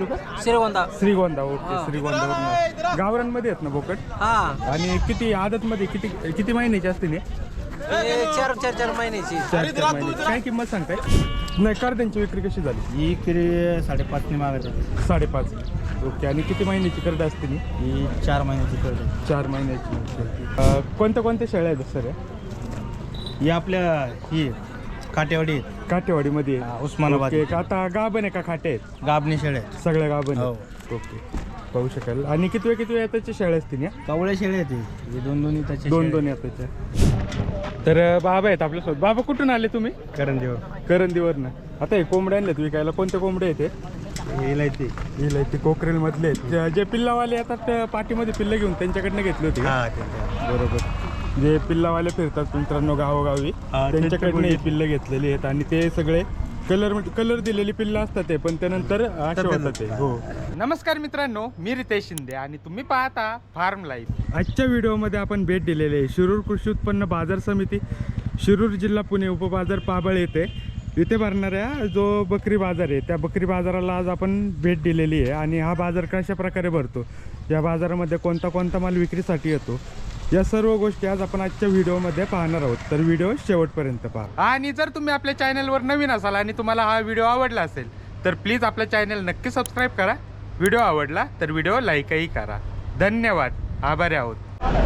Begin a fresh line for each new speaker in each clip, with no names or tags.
तालुका
Shrigonda.
Shrigonda. Okay, Shrigonda. गावरांमध्ये आहेत ना बोकड?
हा,
आणि किती आदत मध्ये किती महिन्याची असते ने?
चार महिन्याची.
4 महिन्याची. काय किंमत सांगताय? नाही, करड्यांची विक्री कशी झाली?
ही किरी 5.5 ने मागत आहे.
5.5. ओके. आणि किती महिन्याची करड असते नी?
ही 4 महिन्याची करड.
4 महिन्याची. कोणत्या शेळ्या आहेत सर?
ही आपल्या ही काटेवाडी
काठेवाडीमध्ये
उस्मानाबाद.
ओके. आता गाभण आहे का खाटे आहेत?
गाबणी शेळे आहेत.
सगळ्या गाभण
हो.
आहेत. ओके, पाहू शकाल. आणि किती वेळ त्याच्या शेळ्या असतील या?
कवळे शेळे आहेत ही. दोन त्याचे
दोन येताच्या. तर बाबा आहेत आपल्यासोबत. बाबा कुठून आले तुम्ही?
करंजीवर.
करंदीवरनं. आता हे कोंबडे आणलेत विकायला. कोणते कोंबडे आहेत हे? इलायती कोकरेल मधले आहेत. जे पिल्लावाले येतात पाठीमध्ये पिल्लं घेऊन त्यांच्याकडनं घेतली होती का? बरोबर. जे पिल्लावाले फिरतात मित्रांनो गावोगावी, त्यांच्याकडनं ही पिल्लं घेतलेली आहेत. आणि ते सगळे कलर दिलेली पिल्लं असतात ते, पण त्यानंतर असे होतात ते. हो. नमस्कार मित्रांनो, मी रितेश शिंदे आणि तुम्ही पाहता फार्म लाईफ. आजच्या व्हिडिओमध्ये आपण भेट दिलेली आहे शिरूर कृषी उत्पन्न बाजार समिती, शिरूर जिल्हा पुणे, उपबाजार पाबळ येथे. इथे भरणाऱ्या जो बकरी बाजार आहे त्या बकरी बाजाराला आज आपण भेट दिलेली आहे. आणि हा बाजार कशा प्रकारे भरतो, या बाजारामध्ये कोणता माल विक्रीसाठी येतो, या सर्व गोष्टी आज आपण आजच्या व्हिडिओमध्ये पाहणार आहोत. तर व्हिडिओ शेवटपर्यंत पहा. आणि जर तुम्ही आपल्या चॅनलवर नवीन असाल आणि तुम्हाला हा व्हिडिओ आवडला असेल तर प्लीज आपल्या चॅनल नक्की सबस्क्राईब करा. व्हिडिओ आवडला तर व्हिडिओ लाईकही करा. धन्यवाद. आभारी आहोत.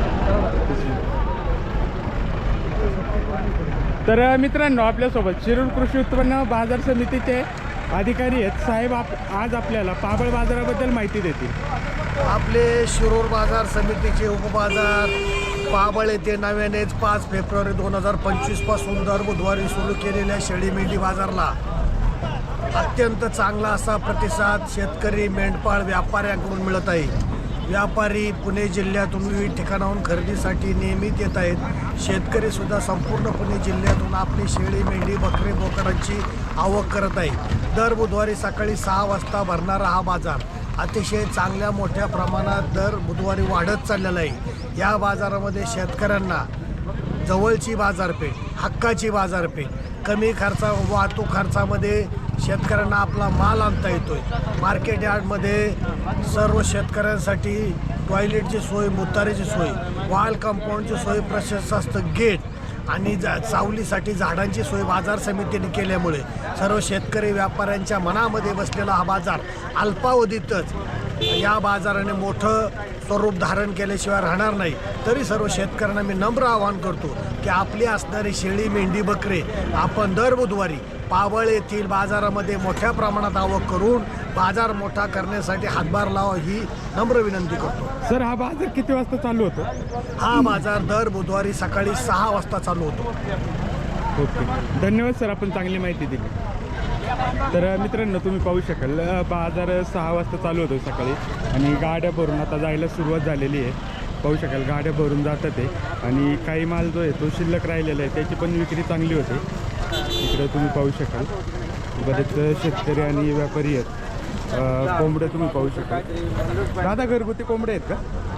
तर मित्रांनो, आपल्यासोबत शिरूर कृषी उत्पन्न बाजार समितीचे अधिकारी आहेत. साहेब आज आपल्याला पाबळ बाजाराबद्दल माहिती देतील.
आपले शिरूर बाजार समितीचे उपबाजार पाबळ येथे नव्यानेच 5 फेब्रुवारी 2025 पासून दर बुधवारी सुरू केलेल्या शेळी मेंढी बाजारला अत्यंत चांगला असा प्रतिसाद शेतकरी मेंढपाळ व्यापाऱ्यांकडून मिळत आहे. व्यापारी पुणे जिल्ह्यातून विविध ठिकाणाहून खरेदीसाठी नियमित येत आहेत. शेतकरी सुद्धा संपूर्ण पुणे जिल्ह्यातून आपली शेळी मेंढी बकरी बोकडांची आवक करत आहे. दर बुधवारी सकाळी 6 वाजता भरणारा हा बाजार अतिशय चांगल्या मोठ्या प्रमाणात दर बुधवारी वाढत चाललेला आहे. या बाजारामध्ये शेतकऱ्यांना जवळची बाजारपेठ, हक्काची बाजारपेठ, कमी वाहतूक खर्चामध्ये शेतकऱ्यांना आपला माल आणता येतोय. मार्केट यार्डमध्ये सर्व शेतकऱ्यांसाठी टॉयलेटची सोय, मुतारीची सोय, वॉल कंपाऊंडची सोय, प्रशस्त असतं गेट आणि सावलीसाठी झाडांची सोय बाजार समितीने केल्यामुळे सर्व शेतकरी व्यापाऱ्यांच्या मनामध्ये बसलेला हा बाजार अल्पावधीतच या बाजाराने मोठं स्वरूप धारण केल्याशिवाय राहणार नाही. तरी सर्व शेतकऱ्यांना मी नम्र आवाहन करतो की आपली असणारी शेळी मेंढी बकरे आपण दर बुधवारी पाबळ येथील बाजारामध्ये मोठ्या प्रमाणात आवक करून बाजार मोठा करण्यासाठी हातभार लावा ही नम्र विनंती करतो.
सर, हा बाजार किती वाजता चालू होतो?
हा बाजार दर बुधवारी सकाळी 6 वाजता चालू होतो.
ओके, धन्यवाद सर, आपण चांगली माहिती दिली. तर मित्रांनो, तुम्ही पाहू शकाल बाजार 6 वाजता चालू होतो सकाळी आणि गाड्या भरून आता जायला सुरुवात झालेली आहे. पाहू शकाल गाड्या भरून जातात आहे आणि काही माल जो आहे तो शिल्लक राहिलेला आहे, त्याची पण विक्री चांगली होते. इकडे तुम्ही पाहू शकाल बरेच शेतकरी आणि व्यापारी आहेत. कोंबडे तुम्ही पाहू शकाल. दादा, घरगुती कोंबडे आहेत का?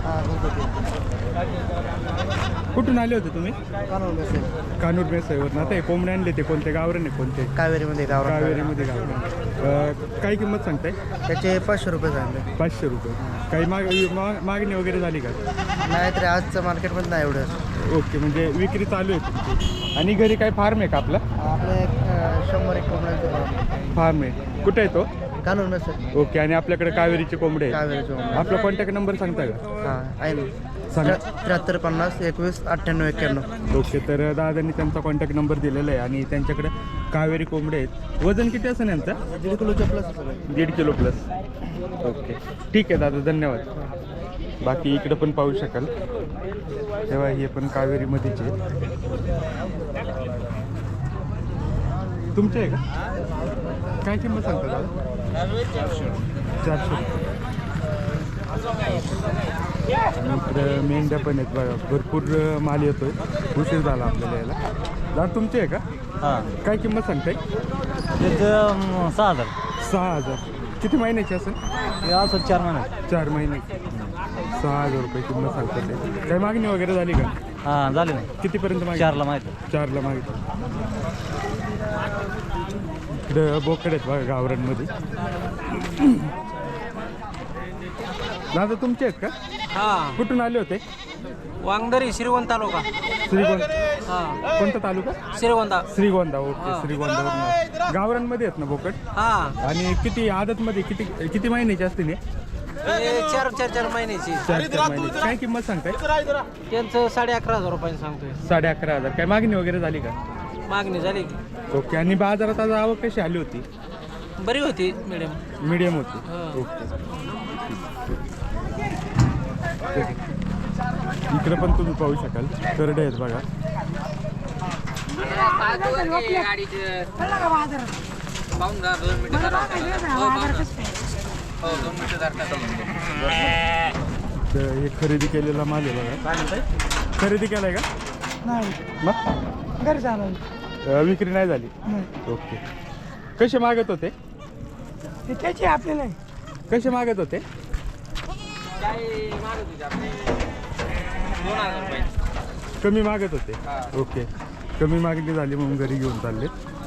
कुठून आले होते तुम्ही? कानूर मेसाईवरून. आता हे कोंबडे आणले ते कोणते गावरान आहे? कोणते?
कावेरीमध्ये
कावेरीमध्ये गावरान. काय किंमत सांगताय?
त्याचे 500 रुपये सांगले.
500 रुपये. काही मागणी वगैरे झाली का?
नाही तरी आजचं मार्केटमध्ये नाही एवढं.
ओके, म्हणजे विक्री चालू आहे तुमची. आणि घरी काय फार्म आहे का आपला?
आपले 100-1 कोंबड्यांचे
फार्म आहे. कुठे आहे तो?
कानूर मेसेज.
ओके. आणि आपल्याकडे कावेरीचे कोंबडे आहेत.
कावेरीचे कोंबडे.
आपला कॉन्टॅक्ट नंबर सांगता का?
हां आहे ना.
सांगा.
73 50 21 98 91.
ओके. तर दादांनी त्यांचा कॉन्टॅक्ट नंबर दिलेला आहे आणि त्यांच्याकडे कावेरी कोंबडे आहेत. वजन किती असेल यांचं?
1.5 किलोच्या प्लस.
1.5 kilo plus. ओके, ठीक आहे दादा, धन्यवाद. बाकी इकडं पण पाहू शकाल तेव्हा हे पण कावेरीमध्येच आहे. तुमचे आहे का? काय किंमत सांगता दादा? 400. इकडं मेंढ्या पण आहेत बघा, भरपूर माल येतोय. उशीर झाला आपल्याला यायला. दादा, तुमचे आहे का?
हां.
काय किंमत सांगताय?
त्याचं 6000.
6000. किती महिन्याची असेल?
असं 4 महिने.
4 महिने. 6000 रुपये किंमत सांगतात ते. काही मागणी वगैरे झाली का?
हां झाले ना.
कितीपर्यंत मागणी?
4ला माहिती.
4ला मागितलं. इकडं बोकड आहेत बघा गावरांमध्ये. दादा तुमचे आहेत का?
हा
कुठून आले होते?
वांगदरी श्रीगोंदा तालुका.
श्रीगोंदा.
हा
कोणता तालुका?
श्रीगोंदा.
श्रीगोंदा. ओके. श्रीगोंदावरून गावरांमध्ये आहेत ना बोकड?
हा
आणि किती आदतमध्ये किती महिन्याची असते ने?
हे चार महिन्याची.
4 महिन्याची. काय किंमत सांगताय?
त्यांचं 11,500 रुपये सांगतोय.
11,500. काय मागणी वगैरे झाली का?
मागणी झाली की
ओके. आणि बाजारात आज आवक कशी आली होती?
बरी होती मॅडम.
मीडियम होती.
हा.
ओके. इकडे पण तुम्ही पाहू शकाल करडे आहेत बघा. तर हे खरेदी केलेला माल आहे बघा. खरेदी केलाय का?
नाही
मग
घरी झालं
विक्री नाही झाली. ओके. कसे मागत होते?
ते त्याची आपल्याला
कसे मागत होते?
2,000 रुपये.
कमी मागत होते. ओके. कमी मागणी झाली म्हणून घरी घेऊन चालले.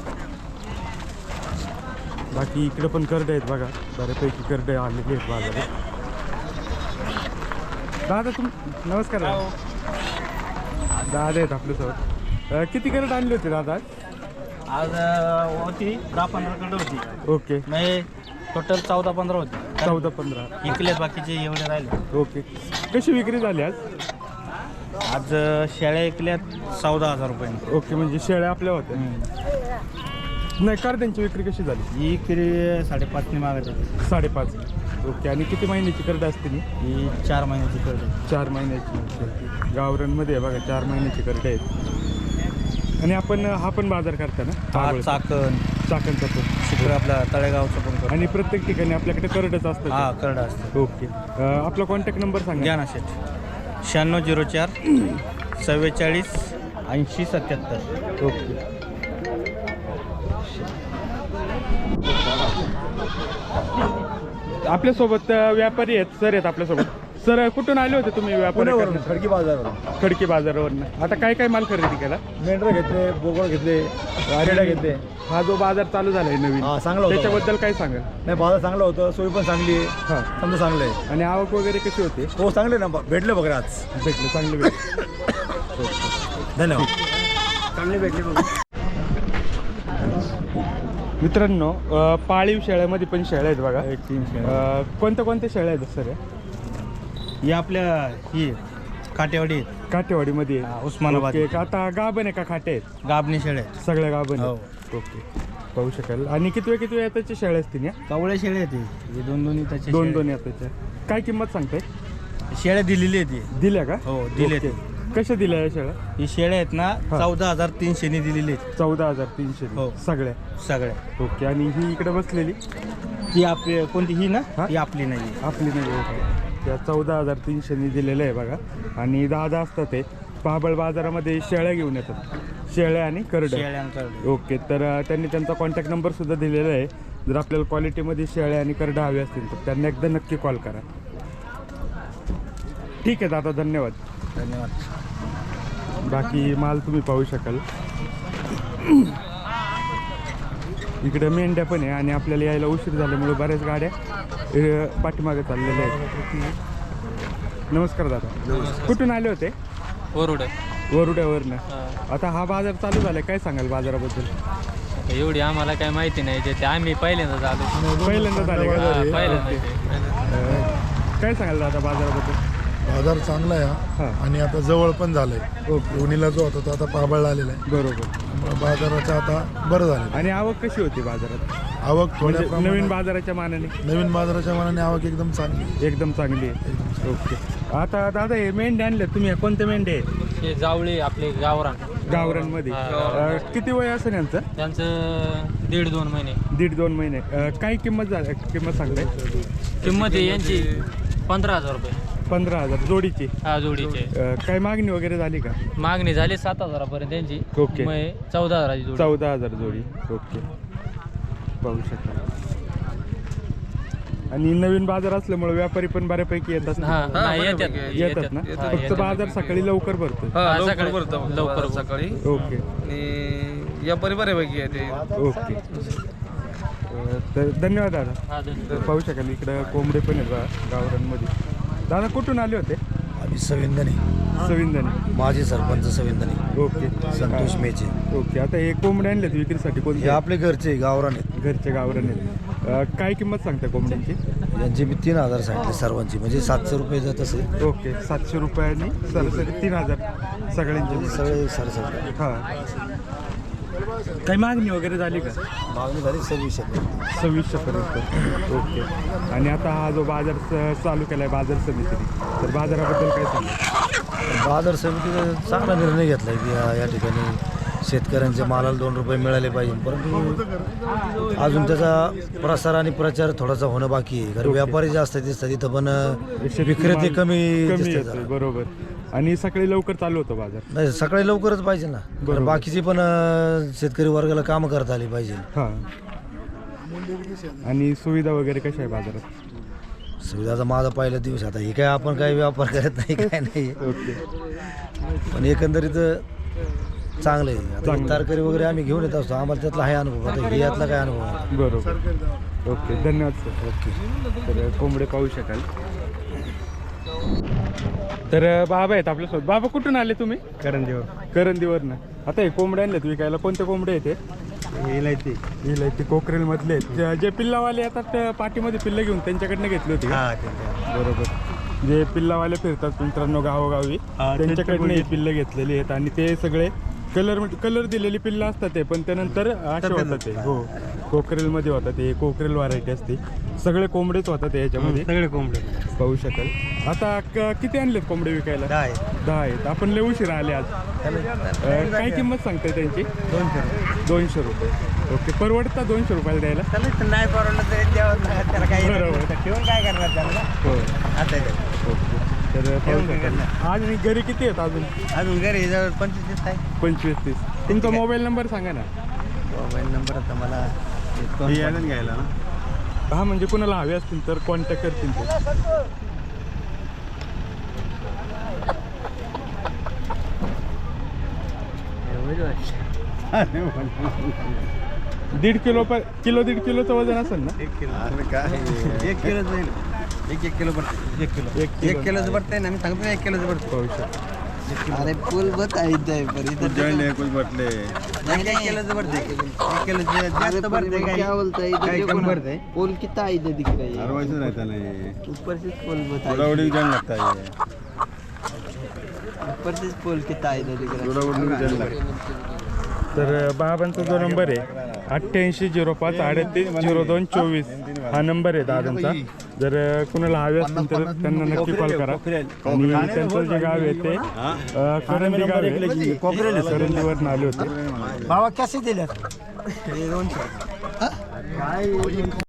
बाकी इकडे पण करडे आहेत बघा. बऱ्यापैकी करडे आलेले आहेत बाजारात. दादा नमस्कार दादा. दादा आहेत आपल्यासोबत. किती करड आणली होती दादा?
आज होती 10-15 कडे होती.
ओके.
नाही टोटल 14-15 होती.
14-15.
इकले बाकीचे एवढे राहिले.
ओके. कशी विक्री झाली आज?
आज शेळ्या ऐकल्यात 14,000 रुपये.
ओके. म्हणजे शेळ्या आपल्या होत्या. नाही करड्यांची विक्री कशी झाली?
ही किरी 5.5 मागत होती.
5.5. ओके. आणि किती महिन्याची करडं असते नी?
ही 4 महिन्याची करते.
4 महिन्याची. गावरांमध्ये आहे बघा 4 महिन्याची करडे आहेत. आणि आपण हा पण बाजार करता ना? चाकणचा पण.
शुक्र आपला तळेगावचं पण करतो.
आणि प्रत्येक ठिकाणी आपल्याकडे करडच असतं.
हा करडा असतं.
ओके. आपला कॉन्टॅक्ट नंबर सांगा.
घ्या ना शेठ. 9604 44 80 77.
ओके. आपल्यासोबत व्यापारी आहेत सर आहेत आपल्यासोबत. सर कुठून आले होते तुम्ही व्यापारी?
खडकी बाजारवरून.
खडकी बाजारावरनं. आता काय काय माल खरेदी केला?
मेंढरं घेतले, बोकड घेतले, रेडा घेतले.
हा जो बाजार चालू झालाय नवीन
हा, चांगला होता.
त्याच्याबद्दल काय सांगाल?
नाही बाजार चांगलं होतं, सोयी पण चांगली आहे.
हा.
समजा चांगलं आहे.
आणि आवक वगैरे कशी होते?
हो चांगले ना, भेटले बघा आज.
भेटले चांगले भेटले.
धन्यवाद. चांगले भेटले बघा.
मित्रांनो पाळीव शेळ्यामध्ये पण शेळ्या आहेत बघा. कोणत्या कोणत्या शेळ्या आहेत सर?
ही आपल्या ही काटेवाडी आहेत.
काठेवाडीमध्ये
उस्मानाबाद.
ओके. आता गाभण आहे का खाटे आहेत?
गाबणी शेळ्या आहेत.
सगळ्या गाभण
हो.
आहेत. ओके. पाहू शकाल. आणि किती वेळ त्याची शेळ्या असतील या?
कावळ्या शेळ्या आहेत ही. दोन त्याचे
दोन याच्याच्या. काय किंमत सांगताय?
शेळ्या दिलेली आहेत ही.
दिल्या का?
हो, दिल्या
ओके.
ते.
कशा दिल्या या शेळ्या?
ही शेळ्या आहेत ना 14,300 ने दिलेली आहेत.
14,300
हो.
सगळ्या.
सगळ्या.
ओके. आणि ही इकडे बसलेली
ती आपली कोणती ही ना?
हा?
ही आपली नाही.
आपली नाही. ओके. त्या 14,300 दिलेलं आहे बघा. आणि दादा असतात ते पाबळ बाजारामध्ये शेळ्या घेऊन येतात. शेळ्या आणि करडं.
शेळ्यांकडे.
ओके. तर त्यांनी त्यांचा कॉन्टॅक्ट नंबर सुद्धा दिलेला आहे. जर आपल्याला क्वालिटीमध्ये शेळ्या आणि करडं हवे असतील तर त्यांना एकदा नक्की कॉल करा. ठीक आहे दादा. धन्यवाद.
धन्यवाद.
बाकी माल तुम्ही पाहू शकाल. इकडे मेंढ्या पण आहे. आणि आपल्याला यायला उशीर झाल्यामुळे बऱ्याच गाड्या पाठीमागे चाललेल्या आहेत. नमस्कार दादा. कुठून आले होते? वरुड्यावरनं. आता हा बाजार चालू झालाय. काय सांगाल बाजाराबद्दल?
एवढी आम्हाला काय माहिती नाही. ते आम्ही पहिल्यांदाच आलो.
पहिल्यांदा झाले का?
पहिल्यांदा.
काय सांगाल दादा बाजाराबद्दल?
बाजार चांगला आहे
हां.
आणि आता जवळ पण झालंय.
ओके.
लोणीला जो होता तो आता पाबळला आलेला आहे.
बरोबर.
त्यामुळे बाजाराचं आता बरं झालं.
आणि आवक कशी होती बाजारात?
आवक थोड्या
म्हणजे
प्रमाणात
नवीन बाजाराच्या मानाने?
नवीन बाजाराच्या मानाने आवक एकदम चांगली आहे.
एकदम चांगली आहे. ओके. आता दादा हे मेंढ्या आणल्या तुम्ही, कोणते मेंढ्या आहेत?
हे जावळी आपले गावरान.
गावरांमध्ये. किती वय असेल यांचं?
त्यांचं 1.5-2 महिने.
1.5-2 महिने. काय किंमत सांगताय?
किंमत आहे यांची 15,000 रुपये.
15,000 जोडीची?
हा, जोडीचे.
काय मागणी वगैरे झाली का?
मागणी झाली 7,000 त्यांची.
ओके.
मग 14,000 जोडी.
14,000 जोडी. ओके. पाहू शकता. आणि नवीन बाजार असल्यामुळे व्यापारी पण बऱ्यापैकी येतात. येतात ना? फक्त बाजार सकाळी लवकर भरतो.
लवकर
सकाळी.
ओके.
आणि व्यापारी बऱ्यापैकी येते.
ओके. तर धन्यवाद दादा. पाहू शकाल इकडं कोंबडे पण आहेत बघा गावरांमध्ये. दादा कुठून आले होते?
आम्ही सविंदनी
सविंदने.
माजी सरपंच सविंदनी
ओके
संतोष मेचे.
ओके. आता हे कोंबडे आणलेत विक्रीसाठी
हे
कोणते?
आपले घरचे गावरान आहेत.
घरचे गावरान आहेत. काय किंमत सांगता कोंबड्यांची?
यांची मी 3,000 सांगितले सर्वांची, म्हणजे 700 रुपये जात असेल.
ओके. 700 रुपयांनी सरासरी 3,000 सगळ्यांचे.
सगळे सरसर
हां. काही मागणी वगैरे झाली का?
मागणी झाली 2600.
2600पर्यंत. ओके. आणि आता हा जो बाजार चालू केला आहे बाजार समितीने, तर बाजाराबद्दल काय सांगा?
बाजार समितीने चांगला निर्णय घेतला आहे की या ठिकाणी शेतकऱ्यांच्या मालाला 2 रुपये मिळाले पाहिजे, परंतु अजून त्याचा प्रसार आणि प्रचार थोडासा होणं बाकी आहे. कारण व्यापारी जास्त दिसतात तिथं, पण विक्रेते कमी दिसतात
येतो.
जरा.
बरोबर. आणि सकाळी लवकर चालू होतो बाजार.
नाही, सकाळी लवकरच पाहिजे ना, कारण बाकीची पण शेतकरी वर्गाला कामं करता आली पाहिजे.
हां. आणि सुविधा वगैरे कशा आहे बाजारात?
सुविधाचा माझा पहिला दिवस आता हे काय आपण काही व्यापार करत नाही काय नाही,
ओके.
पण एकंदरीत चांगलं आहे. आता
चांगलं.
तरकारी वगैरे आम्ही घेऊन येत असतो, आम्हाला त्यातला आहे अनुभव. आता हे यातला काय अनुभव आहे?
बरोबर. ओके. धन्यवाद सर. ओके. तर कोंबडे पाहू शकाल. तर बाबा आहेत आपल्यासोबत. बाबा कुठून आले तुम्ही? करंदीवरनं. आता हे कोंबडे आणलेत विकायला. कोणते कोंबडे आहेत ते? इलायती कोकरेलमधले आहेत. जे पिल्लावाले येतात पाठीमध्ये पिल्लं घेऊन त्यांच्याकडनं घेतली होती का? बरोबर. जे पिल्लावाले फिरतात मित्रांनो गावोगावी, त्यांच्याकडनं ही पिल्लं घेतलेली आहेत. आणि ते सगळे कलर दिलेली पिल्लं असतात ते, पण त्यानंतर असे होतात ते. हो. कोकरेलमध्ये होतात ते. कोकरेल व्हरायटी असते. सगळे कोंबडेच होतात ते याच्यामध्ये.
सगळे कोंबडे
पाहू शकाल. आता किती आणलेत कोंबडे विकायला? 10 आहेत. आपण लय उशिरा आले आज. काय किंमत सांगताय त्यांची? 200 रुपये. ओके. परवडता 200 रुपयाला द्यायला?
नाही परवडलं तरी द्यावं लागत त्याला. काही
बरोबर.
ठेवून काय करणार त्याला?
हो.
आता
ओके. तर पाहू शकाल. आज आणि घरी किती आहेत अजून?
अजून घरी जवळ 25 आहे.
25-30. तुमचा मोबाईल नंबर सांगा ना.
मोबाईल नंबर आता मला घ्यायला ना.
हा, म्हणजे कुणाला हवे असतील तर कॉन्टॅक्ट करतील ते. दीड किलोचं वजन असेल ना?
1 किलो जाईल. 1 किलो पडते. 1 किलोचं पडतंय ना. मी सांगतो 1 किलोचं पडतं.
पाहू शकतो.
अरे पूल बत आहे पर इधर कुछ बटले 1 किलोचं पडते. 1 किलोचं जास्त पडते. क्या बोलता है? काय कम पडते?
पोल कितना इधर दिख रहा है?
अरवाईस रहता नहीं.
ऊपर से पोल बता
थोड़ा उड़ी जान लगता है.
ऊपर से पोल कितना इधर दिख रहा
थोड़ा उड़ी जान लगता है.
तर बाबांचा जो नंबर आहे 8805 38 02 24 हा नंबर आहे दादांचा. जर कुणाला हवे असतील तर त्यांना नक्की कॉल करा. आणि त्यांचं जे गाव आहे ते करंदी गाव आहे. करंदीवरून आले होते.
बाबा कसे दिले?